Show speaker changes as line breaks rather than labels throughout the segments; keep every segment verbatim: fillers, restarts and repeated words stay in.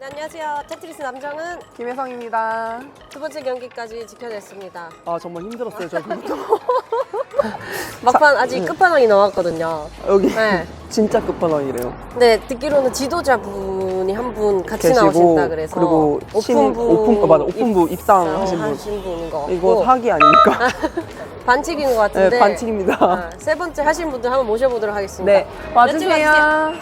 네, 안녕하세요. 테트리스 남정은
김혜성입니다.
두 번째 경기까지 지켜냈습니다.
아 정말 힘들었어요 저 그것도.
막판
자,
아직
네.
끝판왕이 나왔거든요.
여기
네.
진짜 끝판왕이래요.
네, 듣기로는 지도자분이 한 분 같이
계시고,
나오신다 그래서
그리고 신입,
오픈부
오픈, 어, 맞아, 오픈부 입상하신 분.
하신 분인 것 같고
이거 사기 아닙니까?
반칙인 것 같은데
네, 반칙입니다.
아, 세 번째 하신 분들 한번 모셔보도록 하겠습니다.
네, 와주세요.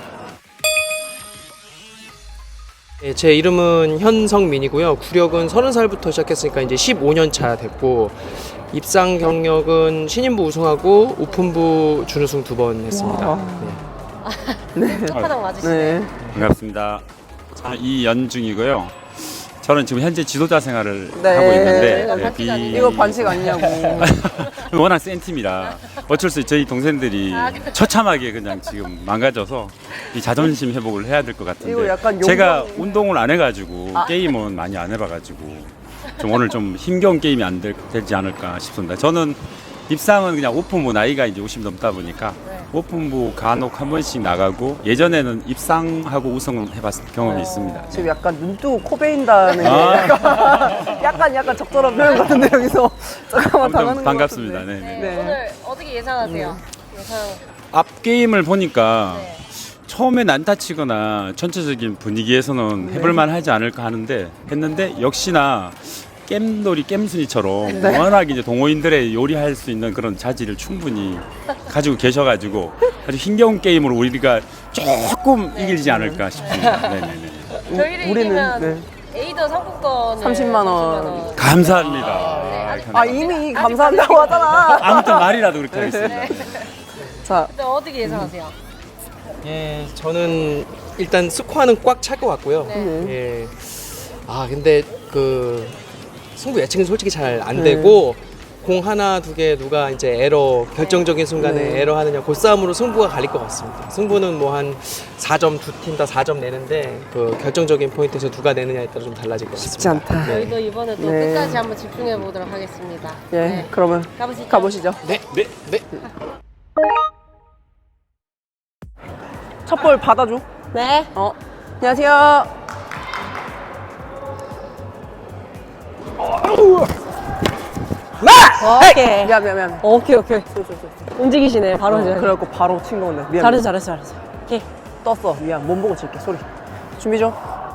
네, 제 이름은 현성민이고요. 구력은 서른 살부터 시작했으니까 이제 십오 년 차 됐고, 입상 경력은 신인부 우승하고 오픈부 준우승 두 번 했습니다. 네.
끝판왕 맞으시네.
네.
반갑습니다. 저는 이연중이고요. 저는 지금 현재 지도자 생활을
네.
하고 있는데
이거
네,
반칙 아니에요?
이거 반칙 아니냐고.
워낙 센 팀이라 어쩔 수 없이 저희 동생들이
아,
처참하게 그냥 지금 망가져서 이 자존심 회복을 해야 될 것
이거
같은데
약간 용병-
제가 운동을 안 해가지고
아.
게임은 많이 안 해봐가지고 좀 오늘 좀 힘겨운 게임이 안 될, 되지 않을까 싶습니다. 저는 입상은 그냥 오픈부 나이가 이제 오십 넘다 보니까
네.
오픈부 간혹 한 번씩 나가고 예전에는 입상하고 우승을 해봤을 경험이 있습니다.
지금 약간 눈 뜨고 코 베인다는 게
아.
약간, 약간 약간 적절한 표현 같은데 여기서 잠깐만 당하는
아무튼
것
반갑습니다.
같은데.
네, 네.
네,
네.
오늘 어떻게 예상하세요? 예상.
앞 게임을 보니까
네.
처음에 난타 치거나 전체적인 분위기에서는 해볼만 하지 않을까 하는데 했는데 역시나 겜놀이 겜순이처럼 워낙 이제 동호인들의 요리할 수 있는 그런 자질을 충분히 가지고 계셔가지고 아주 힘겨운 게임으로 우리가 조금 이기지 않을까 싶습니다. 네네네.
저희를
우리는,
이기면
네.
에이더 상품권을
삼십만 원.
감사합니다.
아 이미 감사한다고 하잖아.
아무튼 말이라도 그렇게 하겠습니다. 네.
자,
일단 어떻게 예상하세요?
예, 저는 일단 스코어는 꽉 찰 것 같고요.
네.
예. 아, 근데 그 승부 예측은 솔직히 잘 안
네.
되고 공 하나 두 개 누가 이제 에러 결정적인 순간에
네.
에러 하느냐 그 싸움으로 승부가 갈릴 것 같습니다. 승부는 뭐 한 사 점 두 팀 다 사 점 내는데 그 결정적인 포인트에서 누가 내느냐에 따라 좀 달라질 것 같습니다.
쉽지 않다.
저희도 이번에 또
네.
끝까지 한번 집중해 보도록 하겠습니다.
예,
네.
그러면
가보시죠.
가보시죠.
네, 네, 네.
첫 볼 받아줘.
네.
어, 안녕하세요.
오케이.
미안, 미안, 미안.
오케이, 오케이. 움직이시네. 바로
어,
이제.
그래갖고 바로 친 건데. 미안.
잘했어, 잘했어, 잘했어. 오케이.
떴어. 미안. 몸 보고 칠게. 소리. 준비 좀.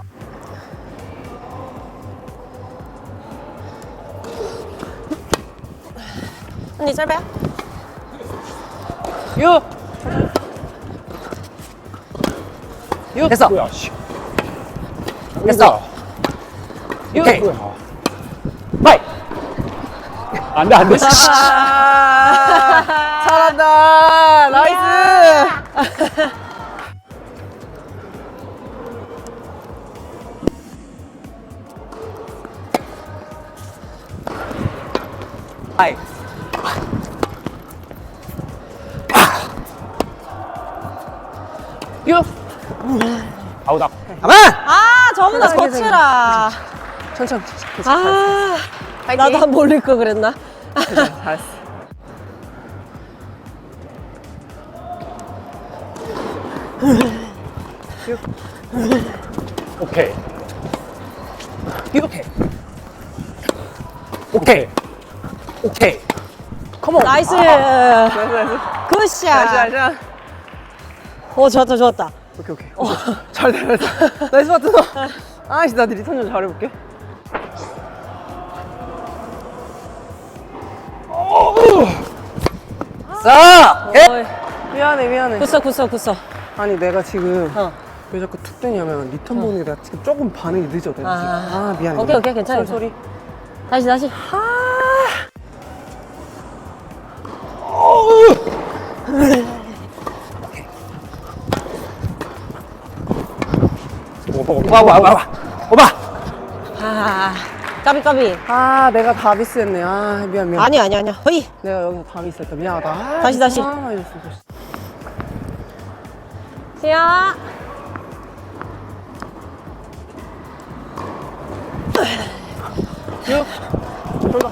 언니 짧아요?
유. 유. 됐어. 됐어. 유. 오케이. 바이.
안 돼, 안 돼.
아, 잘한다. 나이스. 아이. 유.
아웃,
가만.
아, 저보다 더
괜찮아,
치라.
천천히. 괜찮아.
아,
파이팅.
나도 한 번 올릴 거 그랬나?
잘했어. 잘했어.
오케이.
유. 오케이. 오케이. 오케이. 컴온.
나이스.
나이스, 나이스.
굿샷.
나이스, 나이스.
오, 좋았다, 좋았다.
오케이, 오케이. 어. 잘 돼, 잘 돼. 나이스 파트너. 아이씨, 나 리턴 좀 잘해볼게. 자!
어이,
미안해, 미안해.
굿어, 굿어, 굿어.
아니, 내가 지금
어.
왜 자꾸 툭 뜨냐면 리턴 보는 게 내가 지금 조금 반응이 늦어. 내가 지금.
아.
아, 미안해.
오케이, 오케이, 괜찮아,
소리, 소리.
다시, 다시.
오빠, 오빠, 오빠. 오빠!
아, 까비, 까비.
아, 내가 다 미스했네. 아, 미안, 미안.
아니, 아니, 아니야. 허이.
내가 여기서 다 미스했다. 미안하다. 아,
다시, 다시.
아, 이랬어.
시야.
육. 돌봐.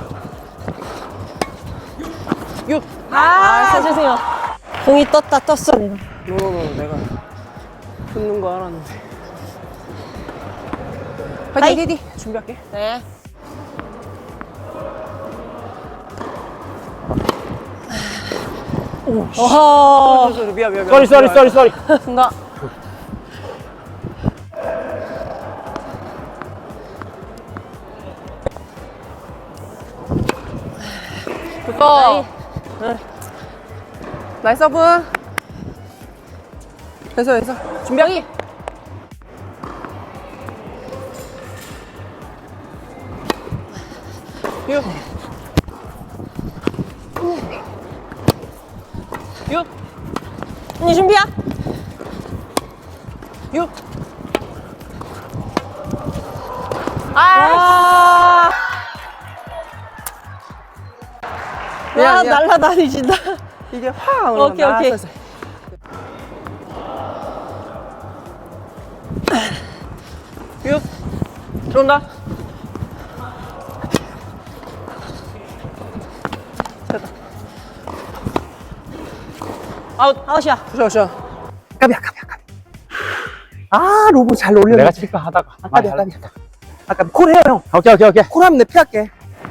육.
아, 사주세요. 공이 떴다, 떴어.
노노노, 내가 붙는 거 알았는데. 파이팅, 파이팅. 준비할게.
네.
오,
어허.
쏘리, 미안, 미안, 미안.
쏘리 쏘리 쏘리 쏘리.
쓴다. 됐어. 응. 나이스 서브. 됐어, 됐어. 준비할게. 유. 유.
언니 준비야?
유.
아.
미안,
와,
미안.
날라다니신다.
이게 확
오케이,
올라간다.
오케이.
알았어, 알았어. 유. 들어온다. 됐다.
아웃, 아웃이야.
쉬어, 쉬어. 까비야, 까비야, 까비. 아, 로브 잘 올려.
내가 칠까 하다가.
까비야, 까비야. 아까 콜 해요, 형.
오케이 오케이 오케이.
콜 하면 내 피할게.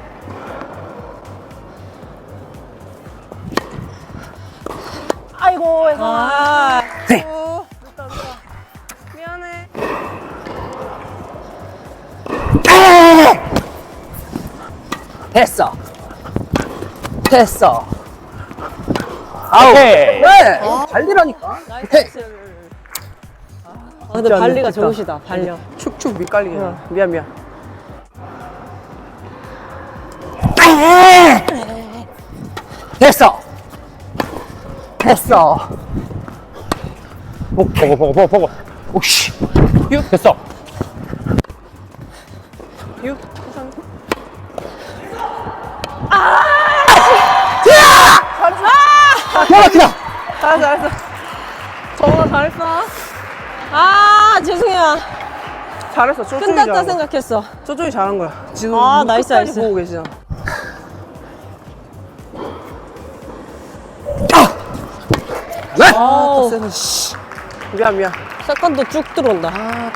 아이고,
아.
네. 늦다, 늦다. 미안해. 됐어. 됐어.
아우.
네. 달리라니까.
나이스. 아, 근데
진짜
발리가
늦겠다.
좋으시다, 발려.
축축 밑갈리게.
응.
미안, 미안. 됐어. 됐어.
보고 보고 보고 보고. 오씨.
유.
됐어.
유.
대박이다.
잘했어, 잘했어. 정말 잘했어.
아, 죄송해요.
잘했어. 저쪽이
끝났다
잘한 거야.
생각했어.
저쪽이 잘한 거야. 지금
아, 나이스,
끝까지
나이스.
보고 계시잖아. 아,
아우.
더 세네, 씨. 미안, 미안.
세컨도 쭉 들어온다.
아,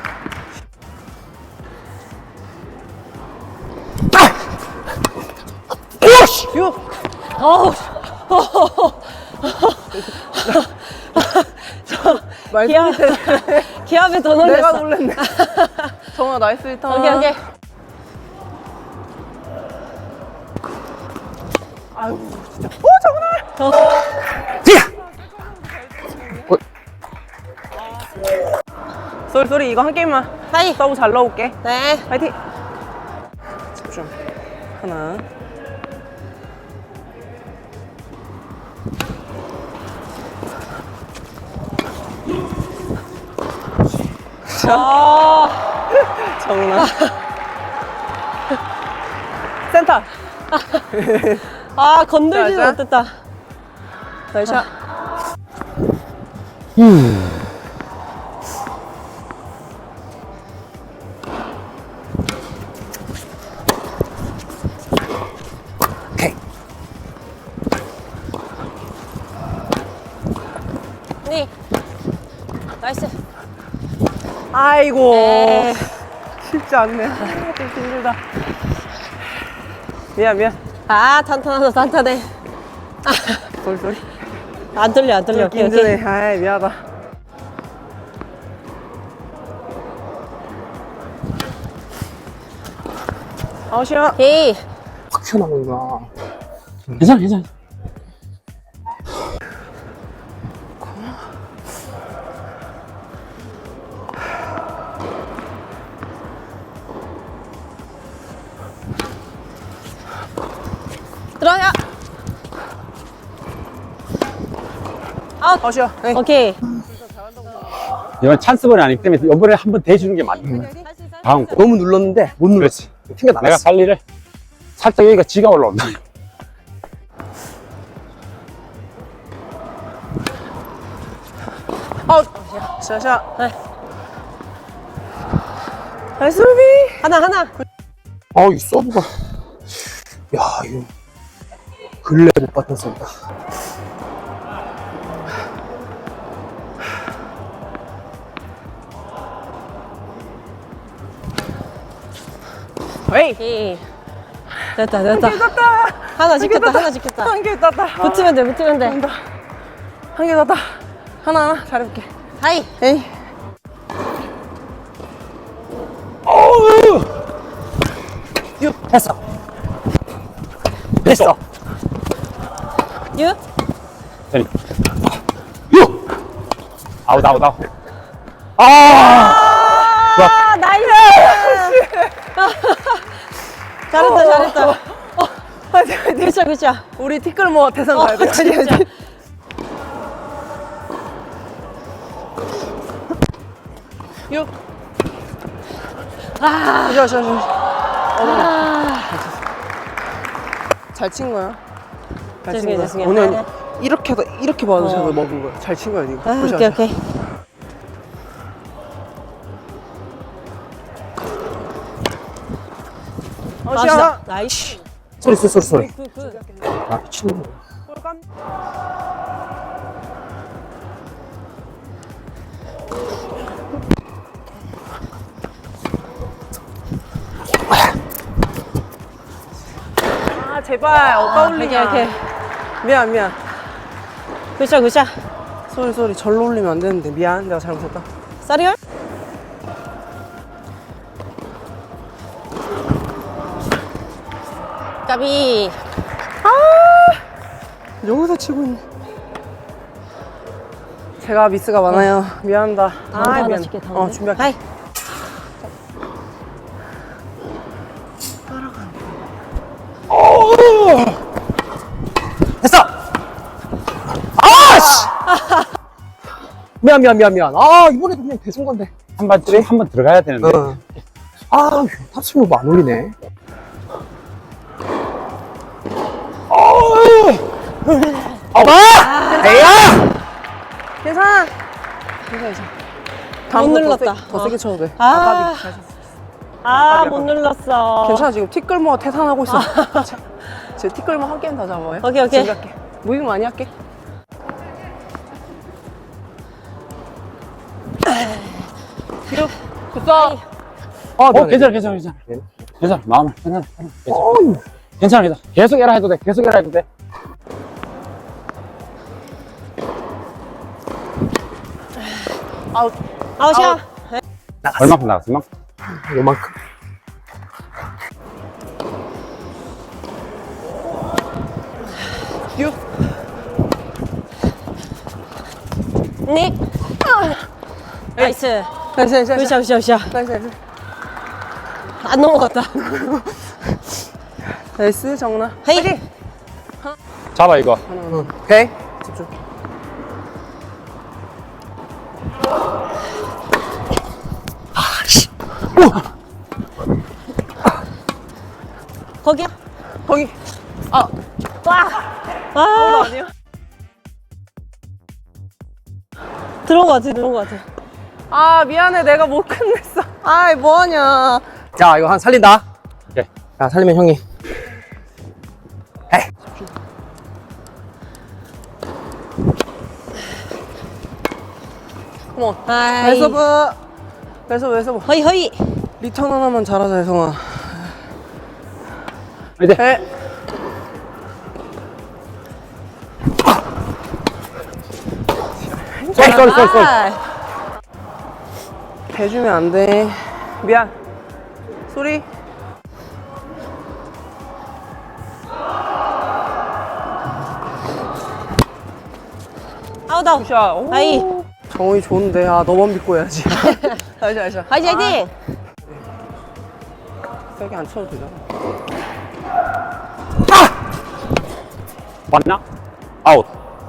오씨.
유.
어우.
말씀
기아,
밑에
기압에 더
내가
놀랬어.
놀랬네. 정아, 나이스 리턴.
오케이, 오케이.
아유, 진짜. 오, 정아! 쏘리, 쏘리. 이거 한 게임만.
하이.
서브 잘 넣어올게.
네.
파이팅! 집중. 하나.
아,
정훈아. 센터.
아 건들지도
자, 자.
못했다.
나이스 샷. 오케이.
니. 나이스.
아이고.
에이.
쉽지 않네. 아, 좀 힘들다. 미안, 미안.
아 탄탄하다 탄탄해.
쏘리, 쏘리.
안 틀려 안 틀려.
좀 힘드네. 아이, 미안하다. 아웃이야.
오케이.
확 튀어나오는구나.
괜찮아 괜찮아.
들어야. 아웃.
아웃이야. 에이.
오케이.
이건 찬스볼이 아니기 때문에 이번에 한번 대주는 게 맞는 거야. 다음 거.
너무 눌렀는데 못 눌렀지. 튕겨
내가
나갔어.
관리를 살짝 여기가 지가 올라온다.
아웃. 샤샤.
네.
나이스 루비.
하나 하나.
아, 이 서브가. 야, 이거. 근래 못 봤던 서브다.
에이.
오케이. 됐다, 됐다.
땄다.
하나 지켰다, 하나 지켰다.
한 개 땄다.
붙으면 돼, 붙으면 돼.
한 개 땄다. 하나 하나 잘해볼게.
하이.
에이.
했어. 됐어.
유.
되니.
유!
아웃, 아웃, 아웃.
아!
아, 나이스! 잘했다, 잘했다.
화이팅 화이팅.
그쵸, 그쵸.
우리 티끌모 대상
어,
가야 돼.
진짜.
육. 아. 좋아 좋아 좋아.
아,
잘 친 거야. 잘 친
죄송해요,
거야.
죄송해요.
오늘
아니야.
이렇게 하다 이렇게 받아서
어.
먹은 거야. 잘 친 거야 이거.
아,
보자,
오케이,
보자.
오케이.
어,
아,
시작.
진짜. 나이스.
소리, 소리, 소리, 소리.
굿, 굿.
아, 미친놈.
아 제발 어디다
오케이,
올리냐.
오케이.
미안 미안.
그쵸, 그쵸.
쏘리 쏘리 절로 올리면 안 되는데 미안 내가 잘못했다.
쌀이요? 까비.
여기서 치고 있네. 제가 미스가 많아요. 미안하다.
다음 거 하나
미안.
찍게, 다음
어
거.
준비할게.
하이.
됐어! 아, 씨! 미안, 미안, 미안, 미안. 아, 이번에도 그냥 대순 건데.
한 번, 한번 들어가야 되는데.
어. 아, 탑승로 뭐안 올리네. 아, 봐! 에야!
괜찮아. 괜찮아 괜찮아.
못
다음 거
눌렀다.
더, 세, 더
어.
세게 쳐도 돼.
아.
아, 까비. 잘 쳤어.
아, 못 눌렀어.
괜찮아 지금 티끌모가 태산하고 있어. 자, 제 티끌모 한 게임 다 잡아요.
오케이, 오케이.
준비할게. 무빙 많이 할게. 굿어.
아,
어,
미안해.
괜찮아, 괜찮아, 괜찮아. 괜찮아, 마음을, 괜찮아, 괜찮아. 괜찮아, 괜찮아. 계속 해라 해도 돼, 계속 해라 해도 돼.
아웃.
아웃이야.
얼마큼 나갔어, 얼마큼?
요만큼.
육.
닉. 나이스.
나이스 나이스 나이스.
으쌰, 으쌰, 으쌰.
나이스 나이스.
안 넘어갔다.
나이스 정훈아.
헤이.
잡아, 이거.
오케이. 집중.
거기야.
거기. 아.
와. 아,
아니야?
들어온 것 같아, 들어온 것 같아.
아 미안해 내가 못 끝냈어. 아이 뭐하냐.
자, 이거 한 살린다.
오케이.
자, 살리면 형이. 에이.
컴온.
아이.
왼서브. 왼서브 왼서브.
허이, 허이.
리턴 하나만 잘하자 혜성아.
이제.
에.
쏠, 쏠, 쏠, 쏠.
아,
대주면 안 돼. 미안. 소리.
아웃, 아웃.
샷. 오.
아이.
정훈이 좋은데. 아 너만 믿고 해야지. 알자 알자.
화이팅, 화이팅.
세게 안 쳐도 되잖아.
맞나? 아웃.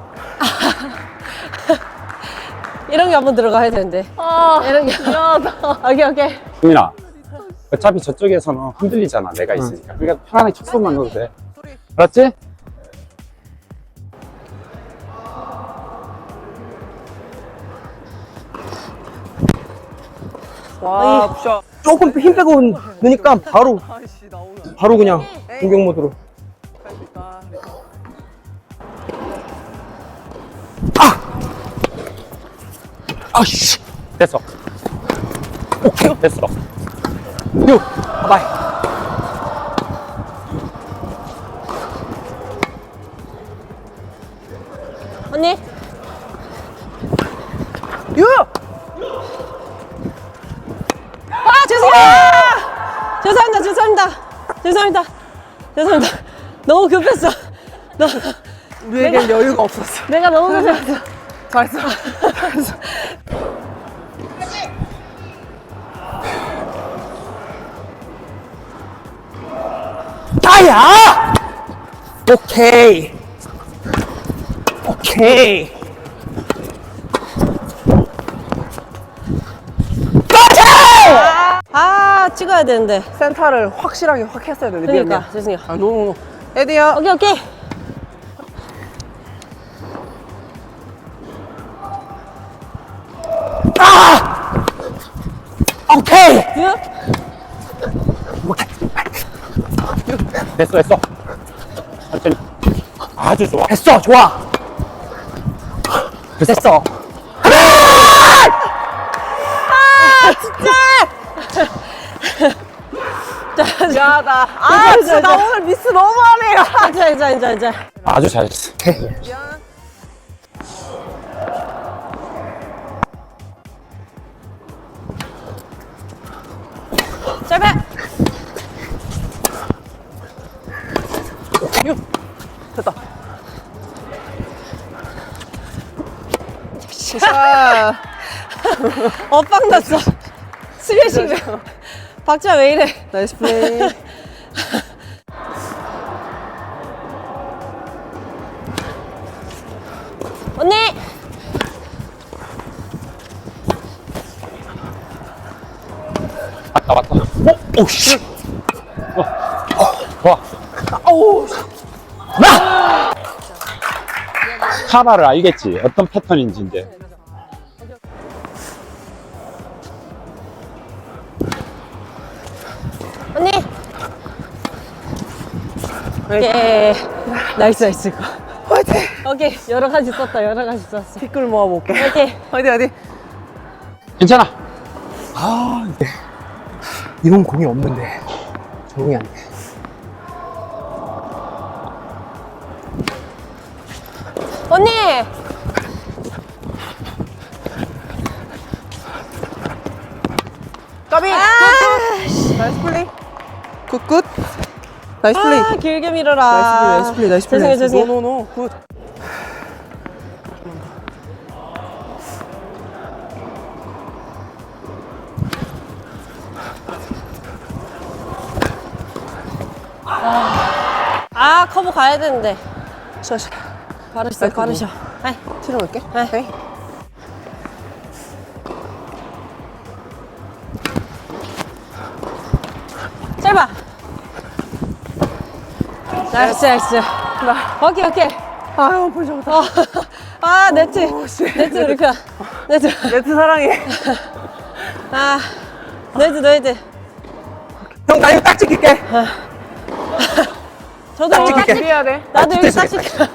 이런 게 한번 들어가야 되는데.
아
이런 게.
미안하다.
오케이, 오케이.
수민아, 어차피 저쪽에서는 흔들리잖아, 내가 있으니까. 그러니까 편안하게 척선만 넣어도 돼. 알았지?
와 굿샷.
조금 힘 빼고 넣으니까 바로,
아이씨 나오면
바로 그냥 공격 모드로.
할 수 있다.
아씨.
됐어. 오케이, 됐어.
유. 바바이.
유!
아, 죄송해요! 죄송합니다, 죄송합니다. 죄송합니다. 죄송합니다. 너무 급했어. 너무,
우리에겐 여유가 없었어.
내가 너무 급했어.
잘했어. 잘했어.
나야! 오케이. 오케이.
아, 찍어야 되는데.
센터를 확실하게 확 했어야 되는데. 미안,
그러니까,
미안.
죄송해요.
아, 노노노. 에디야.
오케이, 오케이.
오케이.
유?
됐어 됐어. 천천히. 아주 좋아.
됐어, 좋아. 됐어.
야, 나. 아, 진짜 나 오늘 미스 너무하네.
괜찮아, 괜찮아, 괜찮아, 괜찮아.
아주 잘했어.
짧아!
유. 됐다. 자,
엇박 났어. 스매싱. 박자 왜 이래?
나이스 플레이.
언니!
왔다 왔다. 오, 오 씨. 어, 어, 좋아.
아우.
카바를 알겠지. 어떤 패턴인지 이제.
언니! 오케이. 나이스, 나이스. 이거.
화이팅!
오케이. 여러 가지 썼다, 여러 가지 썼어.
티끌 모아볼게.
오케이.
화이팅, 화이팅.
괜찮아.
아, 이게. 이런 공이 없는데. 적응이 안 돼.
언니!
까비!
아,
나이스 플레이. 굿굿. 나이스 플레이.
아, 길게 밀어라.
나이스 플레이, 나이스 플레이, 나이스 플레이.
죄송해요, 죄송해요.
노노노. 굿.
아, 커브 가야 되는데.
샤, 샤.
바르셔,
아이고,
바르셔. 아이,
치러 갈게.
네.
에이.
짧아. 나이스, 나이스. 오케이, 오케이.
아유, 볼 잡았다.
어. 아, 네트.
오, 씨.
네트, 우리 편. 네트.
네트 사랑해.
아, 네트, 네트.
형, 나 이거 딱 찍힐게.
저도
딱
여기 딱
찍을게.
찍-
해야 돼.
나도 여기 딱
됐어,
찍혀.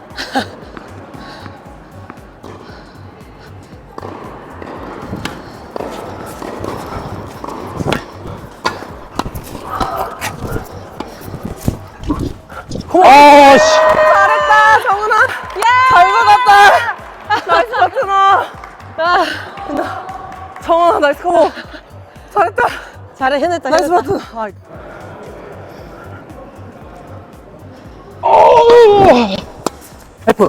아, 씨.
잘했다, 정훈아. 잘 받았다. 나이스 파트너.
아,
정훈아, 나이스 커버. 잘했다.
잘해, 해냈다,
나이스
해냈다.
파트너. 아,
F.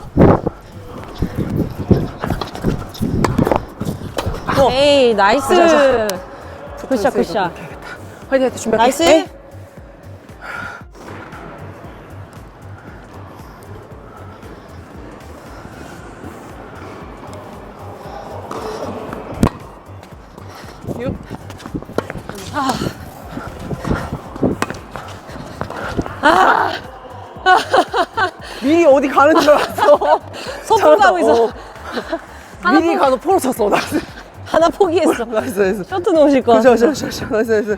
에이, 나이스. 굿샷, 굿샷.
화이팅, 화이팅, 준비할게.
나이스.
에이. 유. 미리 어디 가는 줄 알았어.
소풍 가고 있어.
어. 미리 가서 포로 쳤어. 나이스.
하나 포기했어.
나이스, 나이스.
쇼트 놓으실 거.
그죠, 그죠, 그죠, 그죠. 나이스, 나이스.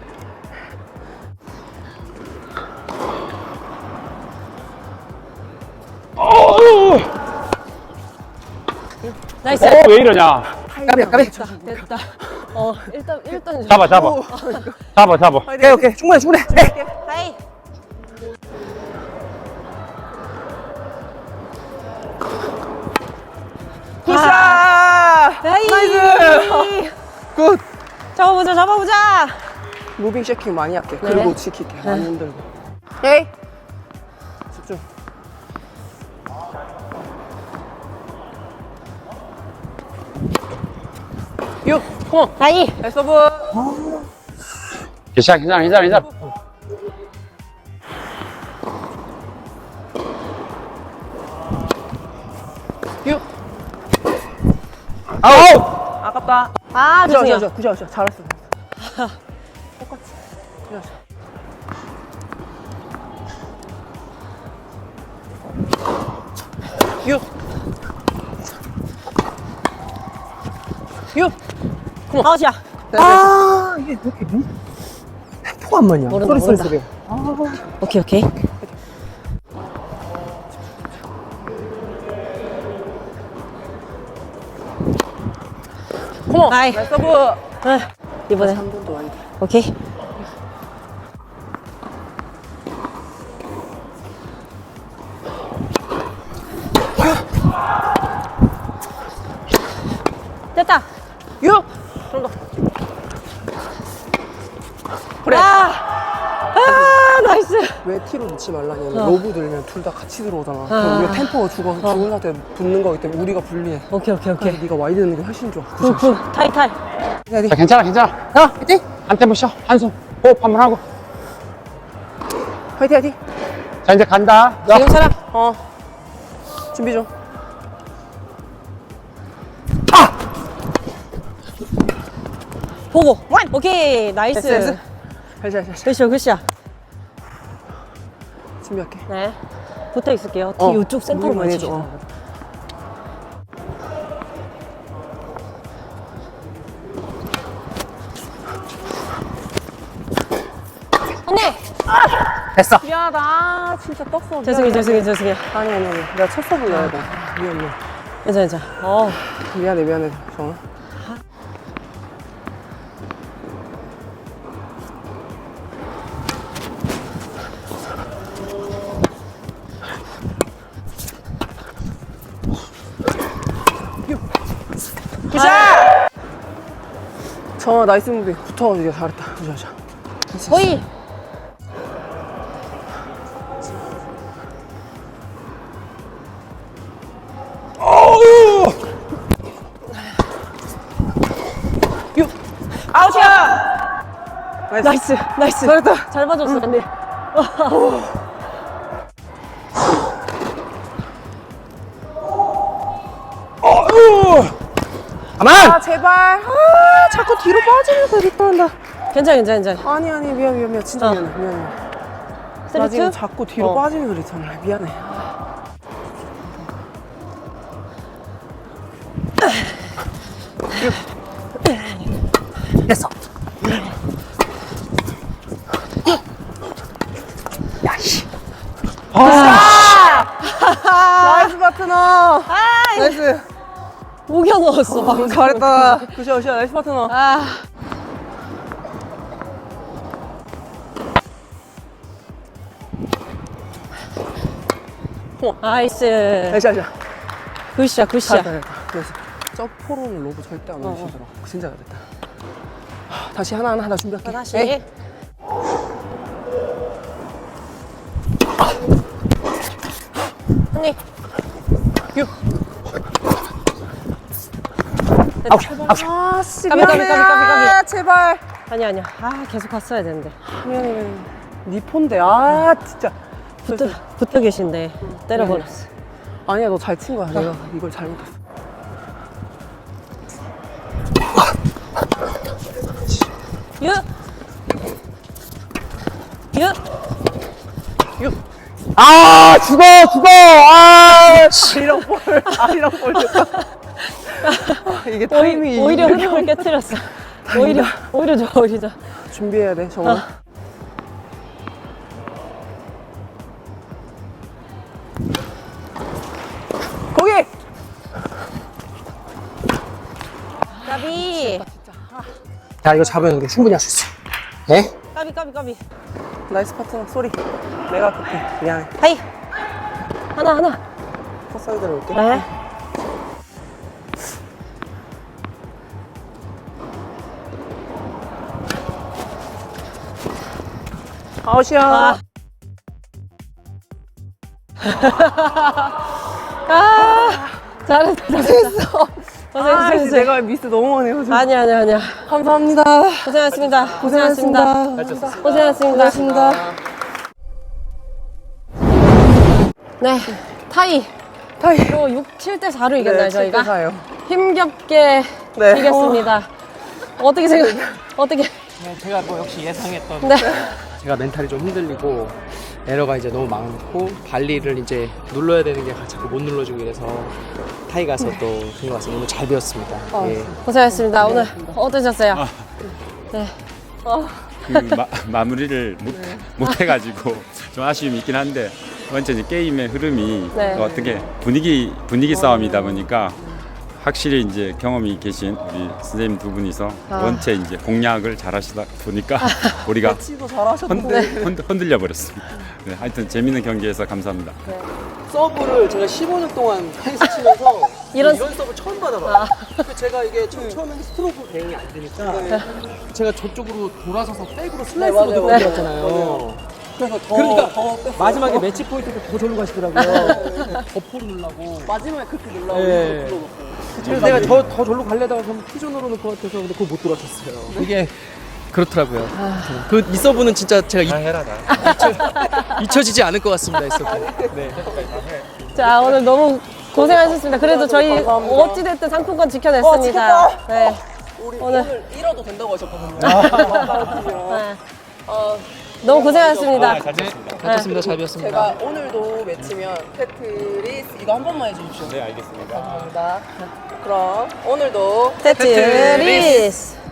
나이스.
어, 왜 이러냐.
까비, 까비.
됐다. 어, 일단, 일단.
잡아 잡아. 잡아 잡아.
오케이, 오케이. 충분해, 충분해. 네.
하이.
굿샷!
나이.
나이스. 굿.
잡아보자, 잡아보자.
무빙 쉐킹 많이 할게.
네.
그리고 지킬게. 많이 힘들고. 에이. 집중. 육. 컴온.
나이.
나이스 서브.
괜찮아, 괜찮아, 괜찮아, 괜찮아.
육.
아우!
아깝다.
아,
구자,
죄송해요.
구자, 구자, 구자. 잘했어. 똑같이. 구자. 육. 육.
아웃이야.
아, 이게 왜 이렇게 미... 템포가 안 맞냐?
모른다,
소리,
모른다.
소리, 소리.
오케이, 오케이.
컴온.
나이.
나이스 서브.
아, 이번에.
삼 분도 아니다.
오케이. 됐다.
육. 좀 더. 그래.
아, 아, 나이스.
왜 티로 넣지 말라냐면
어.
로브 들면 둘 다 같이 들어오잖아. 그럼 우리가 템포가 죽어, 죽은 상태에 붙는 거기 때문에 우리가 불리해.
오케이, 오케이, 오케이.
그래서 네가 와이드 넣는 게 훨씬 좋아.
굿, 굿. 타이, 타이.
자, 괜찮아, 괜찮아. 야, 화이팅! 한 템포 쉬어. 한숨. 호흡 한번 하고.
화이팅 화이팅.
자, 이제 간다. 야.
괜찮아.
어. 준비 좀.
보고. 오케이, 나이스.
됐어, 됐어. 잘잘잘.
굿샷, 굿샷.
준비할게.
네. 붙어 있을게요. 뒤
어,
이쪽 센터로
무빙 많이
맞추시죠.
해줘,
언니!
됐어.
미안하다. 아, 진짜 떴어.
죄송해요, 죄송해요, 죄송해요.
아니 아니 아니. 내가 첫 서브 넣어야 돼. 미안해.
괜찮아, 괜찮아. 어.
미안해 미안해. 정아. 굿샷! 정아 나이스 무빙 붙어. 네가 잘했다. 굿샷 굿샷.
거의.
육. 아웃이야. 나이스.
나이스, 나이스.
잘했다.
잘 봐줬어, 근데.
가만!
아 제발. 아 자꾸 뒤로 빠지면서 리턴한다.
괜찮아, 괜찮아, 괜찮아.
아니 아니 미안 미안 미안 진짜
어.
미안해 미안해. 나
쓰리,
지금
투?
자꾸 뒤로
어.
빠지면서 리턴을 해. 미안해.
됐어. 야, 씨.
나이스 파트너. 나이스.
우겨 넣었어, 방금.
잘했다. 굿샷 굿샷 나이스 파트너.
아. 나이스.
나이스 나이스.
굿샷, 굿샷.
잘했다 잘했다. 그래서 저 포로는 로브 절대 안 넣으시더라고. 진짜 잘했다. 하, 다시 하나 하나 하나 준비할게.
다시.
에이.
언니.
육.
아우, 아우.
아씨
까비,
미안해.
까비, 까비, 까비, 까비.
아, 제발.
아니야, 아니야. 아, 계속 갔어야 되는데.
미안해 미안해. 니 폰데 아 진짜.
붙어, 붙어 계신데. 때려버렸어.
아니야 너 잘 친 거야. 내가 이걸 잘못했어.
유! 유!
육.
아, 죽어, 죽어! 아, 씨.
아리랑 볼. 아리랑 볼. 아, 이게 타이밍이.
오히려 흐름을 깨뜨렸어. 오히려, 오히려 좋아, 오히려 좋아.
준비해야 돼 정말. 거기.
까비!
자, 이거 잡으면 우리 충분히 할 수 있어. 예?
까비, 까비, 까비.
나이스 파트너 쏘리. 내가 급해. 미안해.
하이! 하나, 하나.
컷사이드로 올게.
네.
아웃이야.
아. 아, 잘했어, 잘했어.
아,
고생했어,
이제 내가 미스 너무 많이 해가지고.
아니야, 아니야, 아니야.
감사합니다.
고생하셨습니다. 고생하셨습니다.
고생하셨습니다.
고생하셨습니다.
고생하셨습니다.
네, 타이.
타이.
이거 육, 칠 대 사로 이겼나요, 저희가?
사요.
힘겹게
네.
이겼습니다. 어떻게 생각, 어떻게.
네, 제가 뭐 역시 예상했던
네.
제가 멘탈이 좀 흔들리고 에러가 이제 너무 많고 발리를 이제 눌러야 되는 게 자꾸 못 눌러주고 이래서 타이 가서 또 그런 것 같습니다. 오늘 잘 배웠습니다. 예.
고생하셨습니다. 오늘 어떠셨어요? 네.
그 마, 마무리를 못, 못 해가지고 좀 아쉬움이 있긴 한데 완전히 게임의 흐름이
네.
또 어떻게 분위기 분위기 싸움이다 보니까 확실히 이제 경험이 계신 우리 선생님 두 분이서
아.
원체 이제 공략을 잘하시다 보니까 우리가
치도 잘하셨는데.
흔들, 흔들, 흔들려 버렸습니다. 네, 하여튼 재밌는 경기에서 감사합니다.
서브를 제가 십오 년 동안 테니스 치면서
이런-
이런, 서브 처음 받아봐요. 그래서 제가 이게 처, 처음에는 스트로크 대응이 안 되니까 제가 저쪽으로 돌아서서 백으로 슬라이스로
맞아요.
들어갔잖아요.
그래서 더,
그러니까
더 뺐어요.
마지막에 매치 포인트 때 더 절로 가시더라고요. 버퍼를 누르려고.
마지막에 그렇게 눌러고
네.
눌러놓고.
그래서 내가 저, 더 절로 갈려다가 그럼 피존으로 넣을 것 같아서 근데 그걸 못 돌아쳤어요. 그게 그렇더라고요. 그 이 서브는 진짜 제가 이,
해라 다.
잊혀지지 않을 것 같습니다. 이 서브. 네.
자, 오늘 너무 고생하셨습니다. 그래도 저희
감사합니다.
어찌됐든 상품권 지켜냈습니다.
어, 지켰다.
네.
우리
오늘-
오늘, 잃어도 된다고 하셨거든요.
네. 어, 너무 고생하셨습니다.
잘 쳤습니다. 잘 배웠습니다.
제가 오늘도 매치면 테트리스 이거 한 번만 해주십시오.
네 알겠습니다.
감사합니다. 그럼 오늘도
테트리스.